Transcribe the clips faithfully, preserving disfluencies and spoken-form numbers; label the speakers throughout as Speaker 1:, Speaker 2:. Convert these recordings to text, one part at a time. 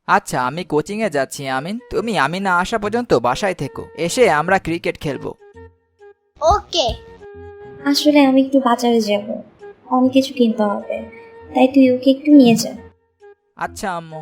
Speaker 1: আচ্ছা, আমি কোচিংয়ে যাচ্ছি আমিন, তুমি আমি না আসা পর্যন্ত বাসায় থেকো, এসে আমরা ক্রিকেট খেলবো।
Speaker 2: ওকে।
Speaker 3: আসলে আমি একটু বাজারে যাব, অনেক কিছু কিনতে হবে, তাই তুই ওকে একটু নিয়ে যা।
Speaker 1: আচ্ছা আম্মু।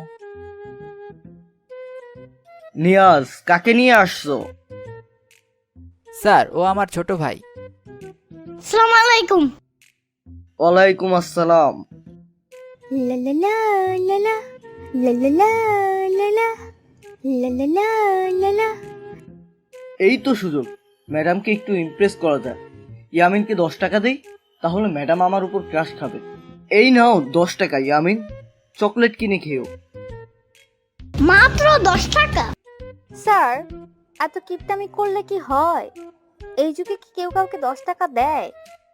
Speaker 4: নিয়াজ, কাকে নিয়ে আসছো?
Speaker 1: স্যার, ও আমার ছোট ভাই।
Speaker 2: আসসালামু আলাইকুম।
Speaker 4: ওয়ালাইকুম আসসালাম।
Speaker 2: লা লা লা লা লা লা লা লা লা লা লা লা লা লা লা।
Speaker 4: এই তো সুযোগ, ম্যাডামকে একটু ইমপ্রেস করা যায়। ইয়ামিনকে দশ টাকা দেই, তাহলে ম্যাডাম আমার উপর ক্রাশ খাবে। এই নাও দশ টাকা ইয়ামিন, চকলেট কিনে খেও।
Speaker 2: মাত্র দশ টাকা?
Speaker 5: স্যার, এত কিপটামি করলে কি হয়? এই যুগে কি কেউ কাউকে দশ টাকা দেয়?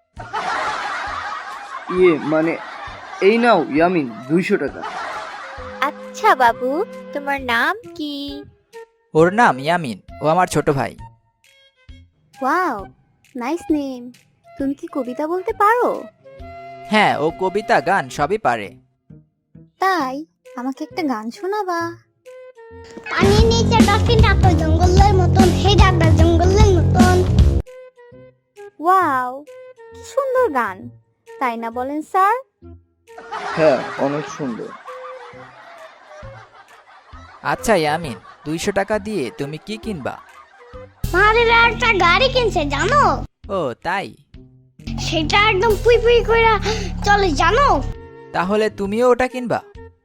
Speaker 4: ইয়ে মানে, এই নাও ইয়ামিন দুইশো টাকা।
Speaker 5: আচ্ছা বাবু, তোমার নাম কি?
Speaker 1: ওর নাম ইয়ামিন, ও আমার ছোট ভাই।
Speaker 5: Wow, nice name. তুমি কি কবিতা বলতে পারো?
Speaker 1: হ্যাঁ, ও কবিতা গান সবই পারে।
Speaker 5: তাই আমাকে একটা গান শোনাবা?
Speaker 2: পানির নিচে ডলফিন ডাকলো জঙ্গলের মতন, হে ডাকটা জঙ্গলের মতন।
Speaker 5: ওয়াও, কি সুন্দর গান, তাই না বলেন স্যার?
Speaker 4: হ্যাঁ, অনেক সুন্দর।
Speaker 1: আচ্ছা ইয়ামিন, দুইশো টাকা দিয়ে তুমি কি কিনবা?
Speaker 2: মারের একটা গাড়ি কিনছে জানো?
Speaker 1: ও তাই?
Speaker 2: সেটা একদম পুই পুই করে চলে জানো?
Speaker 1: তাহলে তুমিও ওটা কিনবা?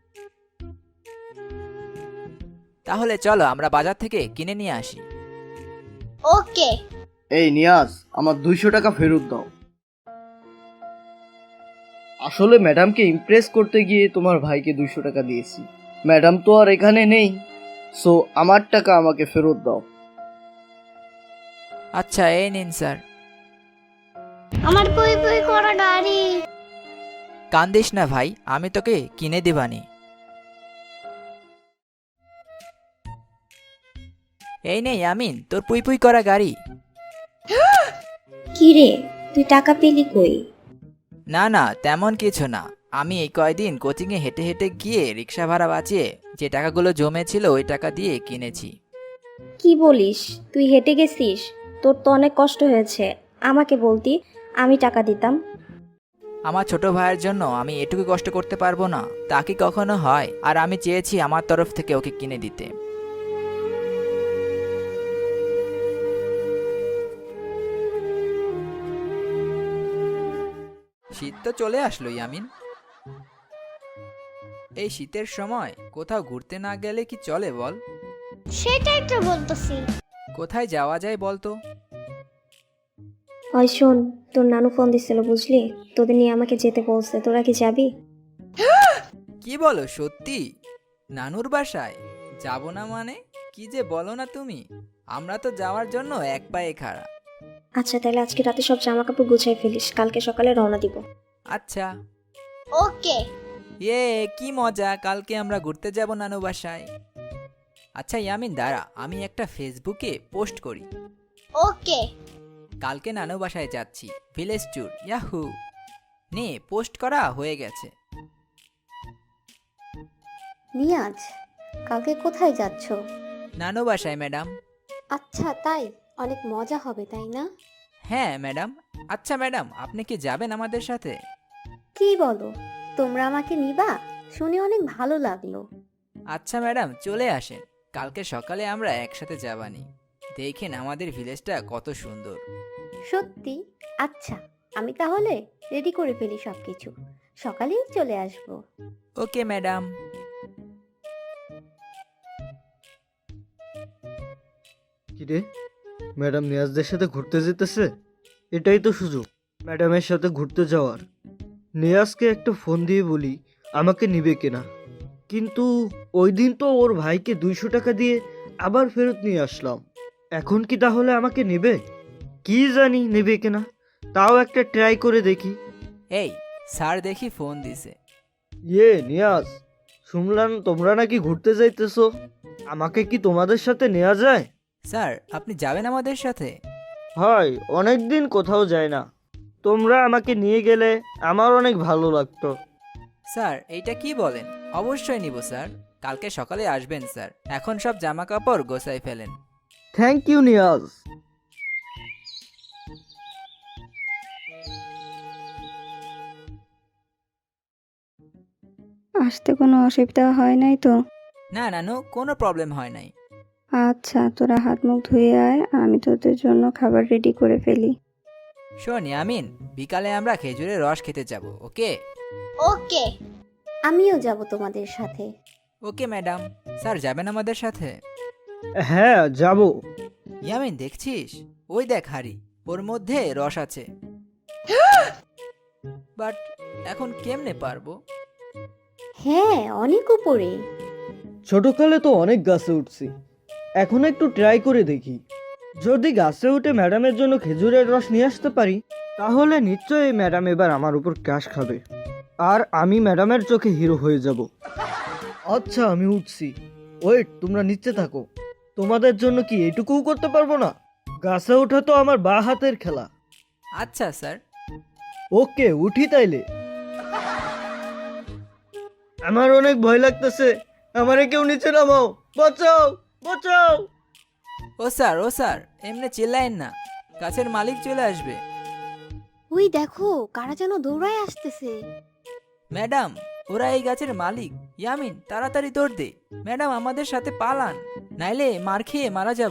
Speaker 1: তাহলে চলো আমরা বাজার থেকে কিনে নিয়ে আসি।
Speaker 2: ওকে।
Speaker 4: এই নিয়াজ, আমার দুইশো টাকা ফেরত দাও। আসলে ম্যাডামকে ইমপ্রেস করতে গিয়ে তোমার ভাইকে দুইশো টাকা দিয়েছি। ম্যাডাম তো আর এখানে নেই, সো আমার টাকা আমাকে ফেরত দাও।
Speaker 1: আচ্ছা, এই নিন স্যার।
Speaker 2: আমার পুই পুই করা গাড়ি।
Speaker 1: কান্দিস না ভাই, আমি তোকে কিনে দিবানি। এই নে ইয়ামিন, তোর পুই পুই করা গাড়ি।
Speaker 3: কি রে, তুই টাকা পেলি কই?
Speaker 1: না না, তেমন কিছু না। আমি এই কয়দিন কোচিংয়ে হেঁটে হেঁটে গিয়ে রিক্সা ভাড়া বাঁচিয়ে যে টাকাগুলো জমেছিল ওই টাকা দিয়ে কিনেছি।
Speaker 3: কি বলিস, তুই হেঁটে গেছিস? তোর তো অনেক কষ্ট হয়েছে, আমাকে বলতি, আমি টাকা দিতাম।
Speaker 1: আমার ছোট ভাইয়ের জন্য আমি এটুকু কষ্ট করতে পারবো না, তা কি কখনো হয়? আর আমি চেয়েছি আমার তরফ থেকে ওকে কিনে দিতে। শীত তো চলে আসলো ইয়ামিন। এই শীতের সময় কোথাও ঘুরতে না গেলে কি চলে বল?
Speaker 2: সেটাই তো বলতেছি।
Speaker 1: কোথায় যাওয়া যায় বলতো?
Speaker 3: ওই শোন, তোর নানু ফোন দিছিল বুঝলি, তোদের নিয়ে আমাকে যেতে বলছে, তোরা কি যাবি?
Speaker 1: কি বলো সত্যি? নানুর বাসায় যাব না মানে? কি যে বলো না তুমি, আমরা তো যাওয়ার জন্য এক পায়ে খাড়া।
Speaker 3: আচ্ছা তাহলে আজকে রাতে সব জামা কাপড় গুছাই ফেলিস, কালকে সকালে রওনা দিব।
Speaker 1: আচ্ছা।
Speaker 2: ওকে।
Speaker 1: ইয়ে কি মজা, কালকে আমরা ঘুরতে যাব নানু বাসায়। আচ্ছা ইয়ামিন দাঁড়া, আমি একটা ফেসবুকে পোস্ট করি।
Speaker 2: ওকে।
Speaker 1: কালকে নানু বাসায় যাচ্ছি, ভিলেজ ট্যুর, ইয়াহু। নে, পোস্ট করা হয়ে গেছে।
Speaker 5: নিয়াজ, কালকে কোথায় যাচ্ছ?
Speaker 1: নানু বাসায় ম্যাডাম।
Speaker 5: আচ্ছা তাই, অনেক মজা হবে তাই না?
Speaker 1: হ্যাঁ ম্যাডাম। আচ্ছা ম্যাডাম, আপনি কি যাবেন আমাদের সাথে?
Speaker 5: কি বলো, তোমরা আমাকে নিবা? শুনে অনেক ভালো লাগলো।
Speaker 1: আচ্ছা ম্যাডাম, চলে আসেন, কালকে সকালে আমরা একসাথে যাবানি। দেখেন আমাদের ভিলেজটা কত সুন্দর।
Speaker 5: সত্যি? আচ্ছা, আমি তাহলে রেডি করে ফেলি সবকিছু, সকালেই চলে আসবো।
Speaker 1: Okay madam.
Speaker 4: কিরে, ম্যাডাম নিয়াজদের সাথে ঘুরতে যেতেছে? এটাই তো সুযোগ ম্যাডামের সাথে ঘুরতে যাওয়ার। নিয়াজকে একটা ফোন দিয়ে বলি আমাকে নিবে কিনা। কিন্তু ওই দিন তো ওর ভাইকে দুইশো টাকা দিয়ে আবার ফেরত নিয়ে আসলাম। এখন কি তাহলে আমাকে নেবে? কি জানি নেবে কিনা, তাও একটা ট্রাই করে দেখি।
Speaker 1: এই স্যার দেখি ফোন দিছে।
Speaker 4: ইয়ে নিয়াজ, শুনলাম তোমরা নাকি ঘুরতে যাইতেছো, আমাকে কি তোমাদের সাথে নেওয়া যায়?
Speaker 1: স্যার, আপনি যাবেন আমাদের সাথে?
Speaker 4: হয়, অনেক দিন কোথাও যায় না, তোমরা আমাকে নিয়ে গেলে আমার অনেক ভালো লাগতো।
Speaker 1: স্যার এইটা কি বলেন, অবশ্যই নিব স্যার। কালকে সকালে আসবেন স্যার। এখন সব জামা কাপড় গোছাই ফেলেন।
Speaker 4: Thank you Niaz.
Speaker 3: আসতে কোনো অসুবিধা হয় নাই তো?
Speaker 1: না নানু, কোনো প্রবলেম হয় নাই।
Speaker 3: আচ্ছা, তোরা হাত মুখ ধুয়ে আয়, আমি তোদের জন্য খাবার রেডি করে ফেলি।
Speaker 1: শোন ইয়ামিন, বিকালে আমরা খেজুরের রস খেতে যাব। ওকে?
Speaker 2: ওকে।
Speaker 5: আমিও যাব তোমাদের সাথে।
Speaker 1: Okay madam. স্যার যাবেন আমাদের সাথে?
Speaker 4: হ্যাঁ যাব।
Speaker 1: ইয়ামিন দেখছিস, ওই দেখ হাড়ি, ওর মধ্যে রস আছে। বাট এখন কেমনে পারবো?
Speaker 5: হ্যাঁ, অনেক উপরে।
Speaker 4: ছোটকালে তো অনেক গাছে উঠছি, এখন একটু ট্রাই করে দেখি। যদি গাছে উঠে ম্যাডামের জন্য খেজুরের রস নিয়ে আসতে পারি, তাহলে নিশ্চয়ই ম্যাডাম এবার আমার উপর ক্রাশ খাবে, আর আমি ম্যাডামের চোখে হিরো হয়ে যাব। আচ্ছা আমি উঠছি, ওয়েট, তোমরা নিচে থাকো। তোমাদের জন্য কি এইটুকুও করতে পারবো না? গাছে ওঠা তো আমার বা হাতের খেলা।
Speaker 1: আচ্ছা স্যার।
Speaker 4: ওকে, উঠি তাইলে। আমার অনেক ভয় লাগতেছে, আমারে কেউ নিচে নামাও, বাঁচাও বাঁচাও।
Speaker 1: ও স্যার, ও স্যার, এমনি চিল্লায়েন না, গাছের মালিক চলে আসবে।
Speaker 5: ওই দেখো, কারা যেন দৌড়ায় আসতেছে।
Speaker 1: ম্যাডাম, ওরা এই গাছের মালিক। ইয়ামিন তাড়াতাড়ি দৌড় দে, ম্যাডাম আমাদের সাথে পালান, নাইলে মার খেয়ে মারা যাব।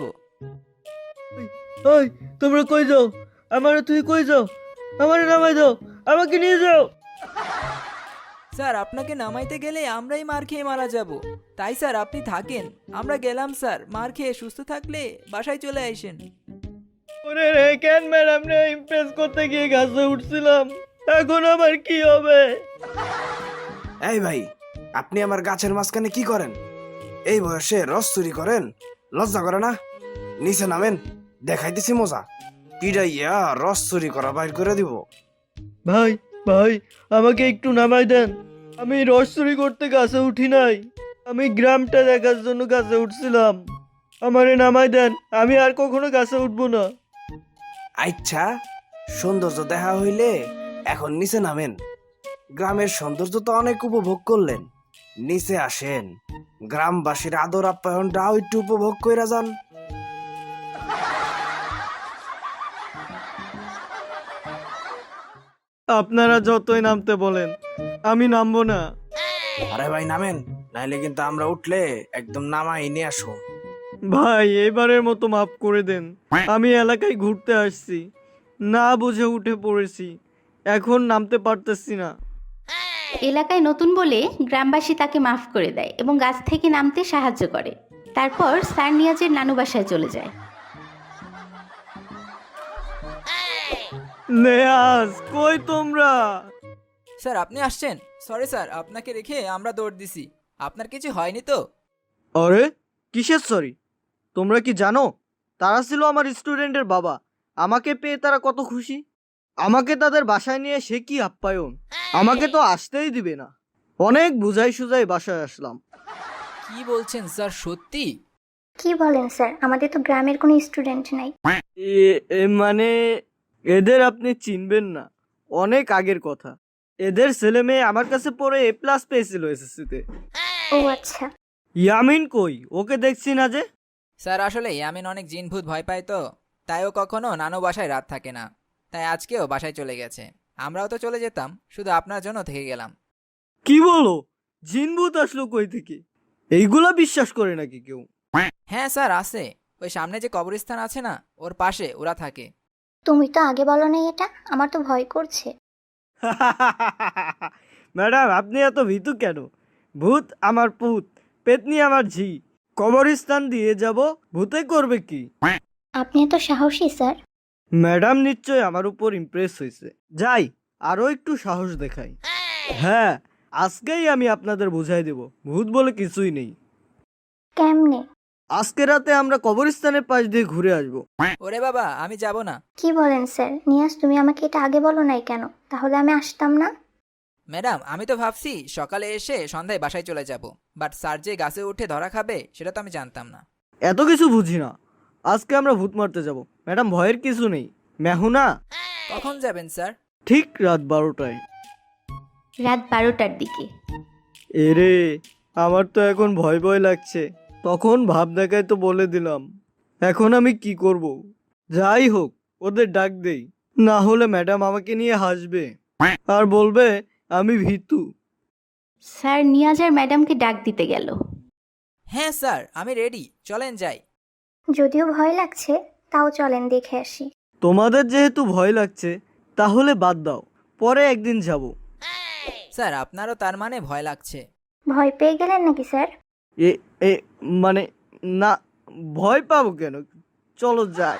Speaker 4: ওই তোমরা কই যাও? আমারে তুই কই যাও? আমারে নামাই দাও, আমাকে নিয়ে যাও।
Speaker 1: স্যার আপনাকে নামাইতে গেলে আমরাই মার খেয়ে মারা যাব। তাই স্যার আপনি থাকেন, আমরা গেলাম স্যার। মার খেয়ে সুস্থ থাকলে বাসায় চলে আসেন।
Speaker 4: ওরে রে, কেন ম্যাডাম রে ইমপ্রেস করতে গিয়ে গাছে উঠছিলাম, এখন আমার কি হবে?
Speaker 6: এই ভাই, আপনি আমার গাছের মাঝখানে কি করেন? এই বয়সে রস চুরি করেন? লজ্জা করে না? নিচে নামেন, দেখাইতেছি মজা। পিড়াইয়া রস চুরি করা বাইর করে দিব।
Speaker 4: ভাই ভাই, আমাকে একটু নামাই দেন। আমি রস চুরি করতে গাছে উঠি নাই, আমি গ্রামটা দেখার জন্য গাছে উঠছিলাম। আমারে নামাই দেন, আমি আর কখনো গাছে উঠবো না।
Speaker 6: আচ্ছা, সৌন্দর্য দেখা হইলে এখন নিচে নামেন। গ্রামের সৌন্দর্য তো অনেক উপভোগ করলেন, নিচে আসেন, গ্রামবাসীর আদর আপ্যায়নটাও একটু উপভোগ কইরা যান।
Speaker 4: আপনারা যতই নামতে বলেন, আমি নামবো না।
Speaker 6: আরে ভাই নামেন, নাইলে কিন্তু আমরা উঠলে একদম নামাই নিয়ে আসো।
Speaker 4: ভাই এবারের মতো মাফ করে দেন, আমি এলাকায় ঘুরতে আসছি, না বুঝে উঠে পড়েছি, এখন নামতে পারতেছি না।
Speaker 7: এলাকায় নতুন বলে গ্রামবাসী তাকে মাফ করে দেয় এবং গাছ থেকে নামতে সাহায্য করে। তারপর স্যার নিয়াজের নানু বাসায় চলে যায়।
Speaker 4: নেয়াজ, কই তোমরা?
Speaker 1: স্যার আপনি আসছেন? সরি স্যার, আপনাকে রেখে আমরা দৌড় দিছি। আপনার কিছু হয়নি তো?
Speaker 4: আরে কিসের সরি? তোমরা কি জানো তারা ছিল আমার স্টুডেন্টের বাবা? আমাকে পেয়ে তারা কত খুশি। আমাকে তাদের বাসায় নিয়ে সে কি আপ্যায়ন, আমাকে তো আসতেই দিবে না। অনেক বুঝাই সুঝাই বাসায় আসলাম।
Speaker 1: কি বলছেন স্যার, সত্যি?
Speaker 2: কি বলেন স্যার, আমাদের তো গ্রামের কোনো স্টুডেন্ট নাই।
Speaker 4: এ- এ মানে এদের আপনি চিনবেন না, অনেক আগের কথা। এদের ছেলে মেয়ে আমার কাছে পড়ে এ প্লাস পেয়েছিল এসএসসিতে।
Speaker 2: ও আচ্ছা।
Speaker 4: ইয়ামিন কই? ওকে দেখছি না যে।
Speaker 1: স্যার আসলে ইয়ামিন অনেক জিনভূত ভয় পায় তো, তাই ও কখনো নানু বাসায় রাত থাকে না। তাই আজকেও বাসায় চলে গেছে। আমরাও তো চলে যেতাম, শুধু আপনার জন্য থেকে গেলাম।
Speaker 4: কি বলো? জিনভূত আসলো কই থেকে? এইগুলা বিশ্বাস করে নাকি কেউ?
Speaker 1: হ্যাঁ স্যার আছে, ওই সামনে যে কবরস্থান আছে না, ওর পাশে ওরা থাকে।
Speaker 2: তুমি তো আগে বলো নাই এটা, আমার তো ভয় করছে।
Speaker 4: ম্যাডাম আপনি এত ভীতু কেন? ভূত আমার পুত, পেতনি আমার ঝি, কবরস্থান দিয়ে যাব, ভূতে করবে কি?
Speaker 2: আপনি এত সাহসী স্যার।
Speaker 4: ম্যাডাম নিশ্চয় আমার উপর ইমপ্রেস হয়েছে, যাই আরো একটু সাহস দেখাই। হ্যাঁ, আজকেই আমি আপনাদের বুঝাই দেব ভূত বলে কিছুই নেই।
Speaker 2: কেমনে?
Speaker 4: আজকে রাতে আমরা কবরস্থানের পাশ দিয়ে ঘুরে আসবো।
Speaker 1: ওরে বাবা, আমি যাব না।
Speaker 2: কি বলেন স্যার? নিয়াজ তুমি আমাকে এটা আগে বলো নাই কেন? তাহলে আমি আসতাম না।
Speaker 1: ম্যাডাম আমি তো ভাবছি সকালে এসে সন্ধ্যায় বাসায় চলে যাব, বাট স্যার যে গাছে উঠে ধরা খাবে সেটা তো আমি জানতাম না।
Speaker 4: এত কিছু বুঝি না, আজকে আমরা ভূত মারতে যাব। ম্যাডাম ভয়ের কিছু নেই, মেহুনা।
Speaker 1: কখন যাবেন স্যার?
Speaker 4: ঠিক রাত বারোটায়।
Speaker 7: রাত বারোটার দিকে।
Speaker 4: এরে, আমার তো এখন ভয় ভয় লাগছে। তখন ভাব দেখায় তো বলে দিলাম। এখন আমি কি করব? যাই হোক, ওদের ডাক দেই, না হলে ম্যাডাম আমাকে নিয়ে হাসবে আর বলবে আমি ভীতু।
Speaker 7: স্যার নিয়াজ আর ম্যাডামকে ডাক দিতে গেল।
Speaker 1: হ্যাঁ স্যার, আমি রেডি, চলেন যাই।
Speaker 2: যদিও ভয় লাগছে, তাও চলেন দেখে আসি।
Speaker 4: তোমাদের যেহেতু ভয় লাগছে তাহলে বাদ দাও, পরে একদিন যাব।
Speaker 1: স্যার আপনারও তার মানে ভয় লাগছে?
Speaker 2: ভয় পেয়ে গেলেন নাকি স্যার?
Speaker 4: এ এ মানে না, ভয় পাবো কেন? চলো যাই।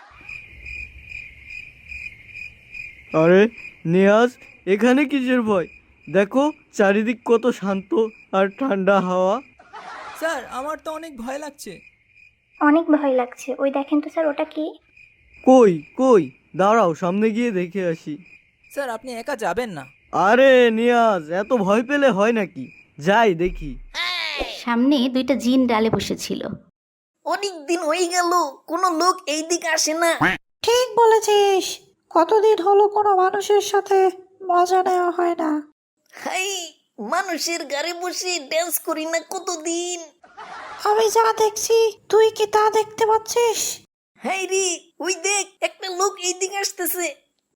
Speaker 4: আরে নিয়াজ, এখানে কিসের ভয়? দেখো চারিদিক কত শান্ত আর ঠান্ডা হাওয়া।
Speaker 1: স্যার আমার তো অনেক ভয় লাগছে।
Speaker 2: অনেক ভয় লাগছে। ওই দেখেন তো স্যার, ওটা কি?
Speaker 4: কই কই, দাঁড়াও সামনে গিয়ে দেখে আসি।
Speaker 1: স্যার আপনি একা যাবেন না।
Speaker 4: আরে নিয়াজ, এত ভয় পেলে হয় নাকি? যাই দেখি।
Speaker 7: সামনে দুইটা জিন ডালে বসেছিল।
Speaker 8: অনেক দিন হয়ে গেল কোনো লোক এই দিকে আসে না।
Speaker 9: ঠিক বলেছিস, কতদিন হলো কোনো মানুষের সাথে মজা নেওয়া হয় না।
Speaker 8: হাই, মানুষের গাড়ি বসে ড্যান্স করি না কতদিন।
Speaker 9: আমি যা দেখছি তুই কি তা দেখতে পাচ্ছিস?
Speaker 8: হাই রে, ওই দেখ একটা লোক এই দিকে আসতেছে।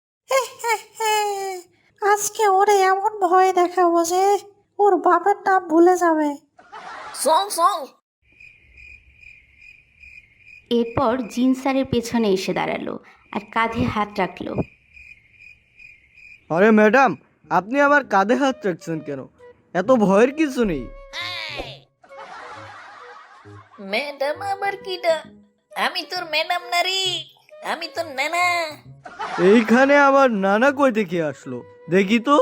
Speaker 9: আজকে ওরে এমন ভয় দেখাবো যে ওর বাপের নাম ভুলে যাবে।
Speaker 8: চল চল।
Speaker 7: এরপর জিন স্যারের পেছনে এসে দাঁড়ালো আর কাঁধে হাত রাখলো।
Speaker 4: আরে ম্যাডাম, আপনি আবার কাঁধে হাত রাখছেন কেন? এত ভয়ের কিছু নেই।
Speaker 8: ম্যাডাম আবার কিডা? আমি তোর ম্যাডাম না রে, আমি তোর নানা।
Speaker 4: এইখানে আবার নানা কই থেকে আসলো দেখি তো।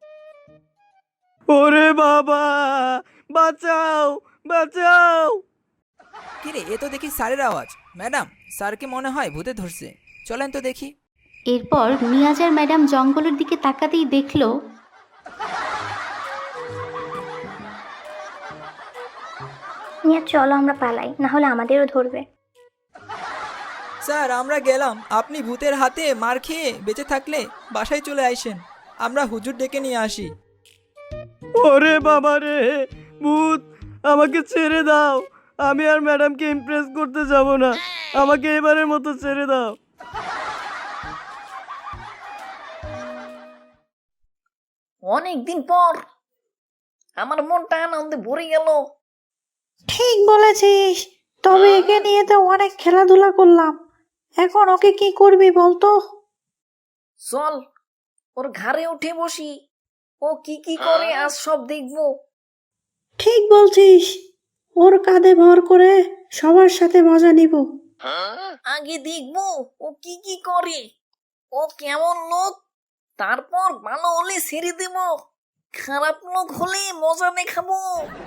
Speaker 4: ওরে বাবা, বাঁচাও বাঁচাও।
Speaker 1: কিরে, এ তো দেখি স্যারের আওয়াজ। ম্যাডাম, স্যারকে মনে হয় ভূতে ধরছে, চলেন তো দেখি।
Speaker 7: এরপর নিয়াজ আর ম্যাডাম জঙ্গলের দিকে তাকাতেই দেখলো
Speaker 2: নিয়ে চলো আমরা পালাই, না হলে আমাদেরও ধরবে।
Speaker 1: স্যার আমরা গেলাম, আপনি ভূতের হাতে মার খেয়ে বেঁচে থাকলে বাসায় চলে আসেন, আমরা হুজুর ডেকে নিয়ে আসি।
Speaker 4: ওরে বাবা রে, ভূত, আমাকে ছেড়ে দাও। আমি আর ম্যাডামকে ইমপ্রেস করতে যাব না, আমাকে এবারের মতো ছেড়ে দাও।
Speaker 8: অনেকদিন পর আমার মনটা আনন্দে ভরে গেল।
Speaker 9: ঠিক বলেছিস, তবে একে নিয়ে তো অনেক খেলাধুলা করলাম, এখন ওকে কি করবি বলতো?
Speaker 8: চল ওর ঘাড়ে উঠে বসি, ও কি কি করে আজ সব দেখবো।
Speaker 9: ঠিক বলছিস, ওর কাঁধে ভর করে সবার সাথে মজা নিব।
Speaker 8: আগে দেখবো ও কি কি করে, ও কেমন লোক, তারপর ভালো হলে ছেড়ে দেব, খারাপ লোক হলে মজা দেখাবো।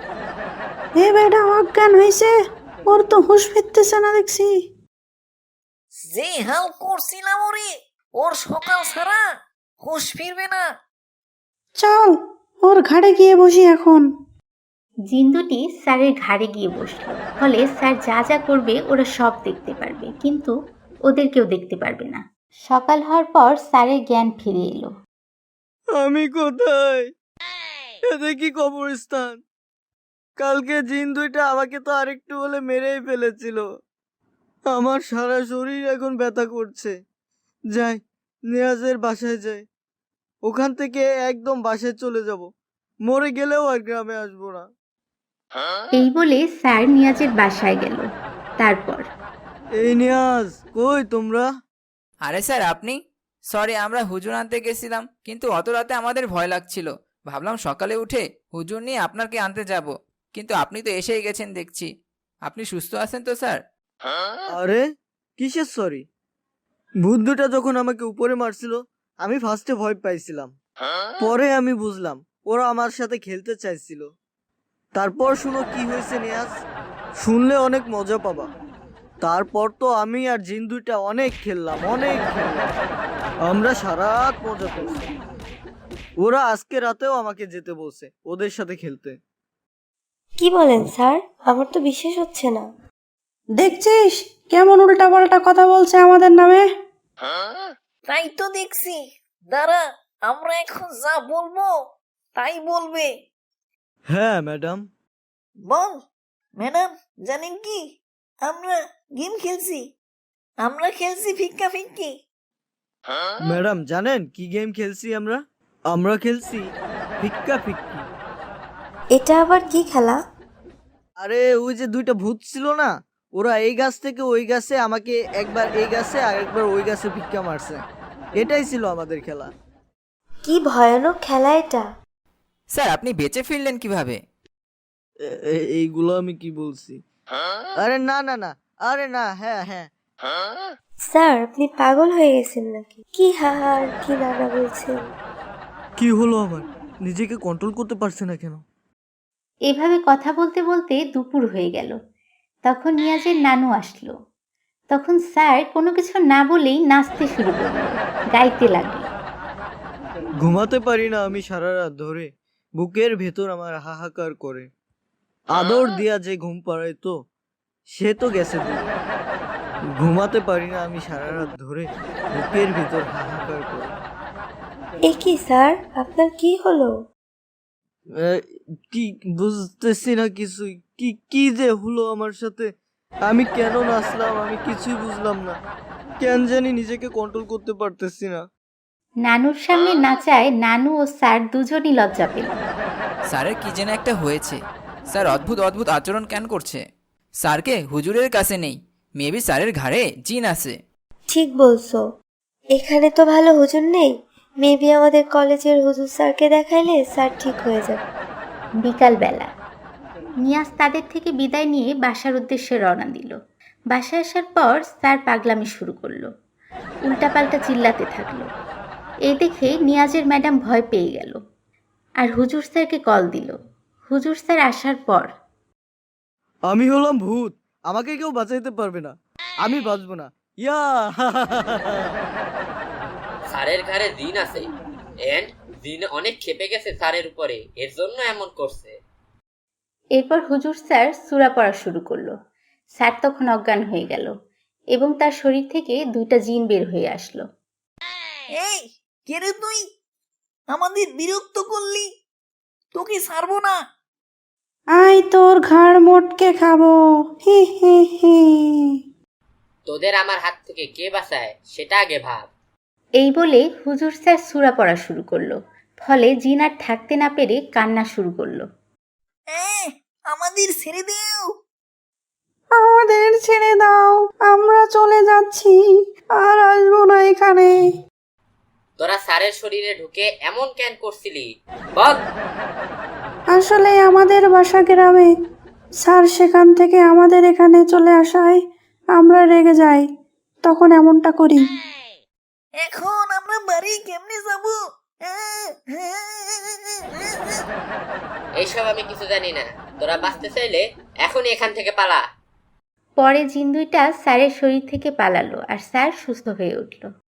Speaker 9: এ বেটা অজ্ঞান হয়েছে, ওর তো হুঁশ ফিরতেছে না দেখছি।
Speaker 8: যে হাল করছিলাম ওরে, ওর সকাল ছাড়া হুঁশ ফিরবে না।
Speaker 9: চল ওর ঘাড়ে গিয়ে বসি এখন।
Speaker 7: জিন দুটি স্যারের ঘাড়ে গিয়ে বসলো, ফলে স্যার যা যা করবে ওরা সব দেখতে পারবে, কিন্তু ওদের কেউ দেখতে পারবে না। সকাল হওয়ার পর স্যারের জ্ঞান ফিরে এলো।
Speaker 4: আমি কোথায়? এতে কি কবরস্থান? কালকে জিন দুইটা আমাকে তো আরেকটু হলে মেরেই ফেলেছিল। আমার সারা শরীর এখন ব্যথা করছে। যাই, নিয়াজের বাসায় যাই, ওখান থেকে একদম বাসায় চলে যাব, মরে গেলেও আর গ্রামে আসবো না।
Speaker 7: এই বলে স্যার নিয়াজের বাসায় গেল। তারপর
Speaker 4: এই নিয়াজ, কই তোমরা?
Speaker 1: আরে স্যার আপনি? সরি, আমরা হুজুর আনতে গেছিলাম, কিন্তু অত রাতে আমাদের ভয় লাগছিল, ভাবলাম সকালে উঠে হুজুর নিয়ে আপনাকে আনতে যাব, কিন্তু আপনি তো এসেই গেছেন দেখছি। আপনি সুস্থ আছেন তো স্যার?
Speaker 4: আরে কিসের সরি? ভূত দুটা যখন আমাকে উপরে মারছিল আমি ফার্স্টে ভয় পাইছিলাম, পরে আমি বুঝলাম ওরা আমার সাথে খেলতে চাইছিল। তারপর শুনো কি হয়েছে নিয়াজ, শুনলে অনেক মজা পাবা। তারপর তো আমি আর জিন দুইটা অনেক খেললাম, অনেক খেললাম, আমরা সারা রাত মজা করছি। ওরা আজকে রাতেও আমাকে যেতে বলছে ওদের সাথে খেলতে।
Speaker 3: কি বলেন স্যার? আমার তো বিশ্বাস হচ্ছে না।
Speaker 9: দেখছিস কেমন উল্টা পাল্টা কথা বলছে আমাদের নামে?
Speaker 8: তাই তো দেখছি, দাঁড়া আমরা এখন যা বলবো তাই বলবে।
Speaker 4: হ্যাঁ ম্যাডাম,
Speaker 8: বল ম্যাডাম, জানেন কি আমরা গেম খেলছি, আমরা খেলছি ফিক্কা ফিক্কি।
Speaker 4: ম্যাডাম জানেন কি গেম খেলছি আমরা আমরা খেলছি ফিক্কা ফিক্কি।
Speaker 3: এটা আবার কি খেলা?
Speaker 4: আরে ওই যে দুইটা ভূত ছিল না, ওরা এই গাছ থেকে ওই গাছে আমাকে একবার এই গাছে আর একবার ওই গাছে ভিক্ষা মারছে। এটাই ছিল আমাদের খেলা।
Speaker 3: কি ভয়ানক খেলা এটা!
Speaker 1: স্যার আপনি বেঁচে ফিরলেন কিভাবে?
Speaker 4: এ- এ- এইগুলো আমি কি বলছি? আরে না না না, আরে না, হ্যাঁ হ্যাঁ।
Speaker 3: স্যার আপনি পাগল হয়ে গেছেন নাকি? কি হাহার কি নানা বলছেন?
Speaker 4: কি হলো আমার? নিজেকে কন্ট্রোল করতে পারছি না কেন?
Speaker 7: এভাবে কথা বলতে বলতে দুপুর হয়ে গেল। তখন নিয়াজের নানু আসলো। তখন স্যার কোনো কিছু না বলেই নাচতে শুরু করলো, গাইতে লাগলো।
Speaker 4: ঘুমাতে পারি না আমি সারা রাত ধরে, বুকের ভেতর আমার হাহাকার করে। আদর দিয়া যে ঘুম পাড়ায় তো সে তো গেছে দূরে। ঘুমাতে পারি না আমি সারা রাত ধরে, বুকের ভেতর হাহাকার করে।
Speaker 3: এ কি স্যার, আপনার কি হলো?
Speaker 4: এ, কি বুঝতেছি না কিছুই। কি কি যে হলো আমার সাথে? আমি কেন নাচলাম আমি কিছুই বুঝলাম না। কেন জানি নিজেকে কন্ট্রোল করতে পারতেছি না।
Speaker 7: নানুর সামনে নাচায় নানু ও স্যার দুজনই লজ্জা পেল।
Speaker 1: স্যারের কি যেন একটা হয়েছে। স্যার অদ্ভুত অদ্ভুত আচরণ কেন করছে? স্যারকে হুজুরের কাছে নেই, মেবি স্যারের ঘাড়ে জিন আছে।
Speaker 3: ঠিক বলছো, এখানে তো ভালো হুজুর নেই। মেবি আমাদের কলেজের হুজুর স্যারকে দেখাইলে স্যার ঠিক হয়ে যাবে।
Speaker 7: বিকালবেলা নিয়াজ তাদের থেকে বিদায় নিয়ে বাসার উদ্দেশ্যে রওনা দিল। বাসায় আসার পর স্যার পাগলামি শুরু করলো, উল্টাপাল্টা চিল্লাতে থাকলো। এই দেখে নিয়াজের ম্যাডাম ভয় পেয়ে গেল আর হুজুর স্যারকে কল দিল। হুজুর স্যার আসার পর
Speaker 4: আমি হলাম ভূত, আমাকে কেউ বাঁচাইতে পারবে না, আমি বাঁচবো না। ইয়া
Speaker 10: স্যারের ঘাড়ে জিন আছে এন্ড জিন অনেক খেপে গেছে স্যারের উপরে, এর জন্য এমন করছে।
Speaker 7: এরপর হুজুর স্যার সূরা পড়া শুরু করলো। স্যার তখন অজ্ঞান হয়ে গেল এবং তার শরীর থেকে দুইটা জিন বের হয়ে আসলো।
Speaker 8: এই কে রে তুই? আমাদের বিরক্ত করলি, তোকে ছাড়বো না।
Speaker 9: আই তোর ঘাড় মোটকে খাবো, হি হি হি।
Speaker 10: তোদের আমার হাত থেকে কে বাঁচায় সেটা আগে ভাব।
Speaker 7: এই বলে হুজুর স্যার সূরা পড়া শুরু করলো। ফলে জিন আর থাকতে না পেরে কান্না শুরু করলো।
Speaker 8: এ, আমাদের ছেড়ে দেও।
Speaker 9: আমাদের ছেড়ে দাও, আমরা চলে যাচ্ছি, আর আসবো না এখানে।
Speaker 10: তোরা স্যারের শরীরে ঢুকে এমন কেন করছিলি বল?
Speaker 9: আসলে আমাদের বাসা গ্রামে, স্যার সেখান থেকে আমাদের এখানে চলে আসায় আমরা রেগে যাই, তখন এমনটা করি।
Speaker 8: এখন আমরা বাড়ি কেমনে যাব?
Speaker 10: এইসব আমি কিছু জানি না, তোরা বাঁচতে চাইলে এখনই এখান থেকে পালা।
Speaker 7: পরে জিন দুইটা স্যারের শরীর থেকে পালালো আর স্যার সুস্থ হয়ে উঠল।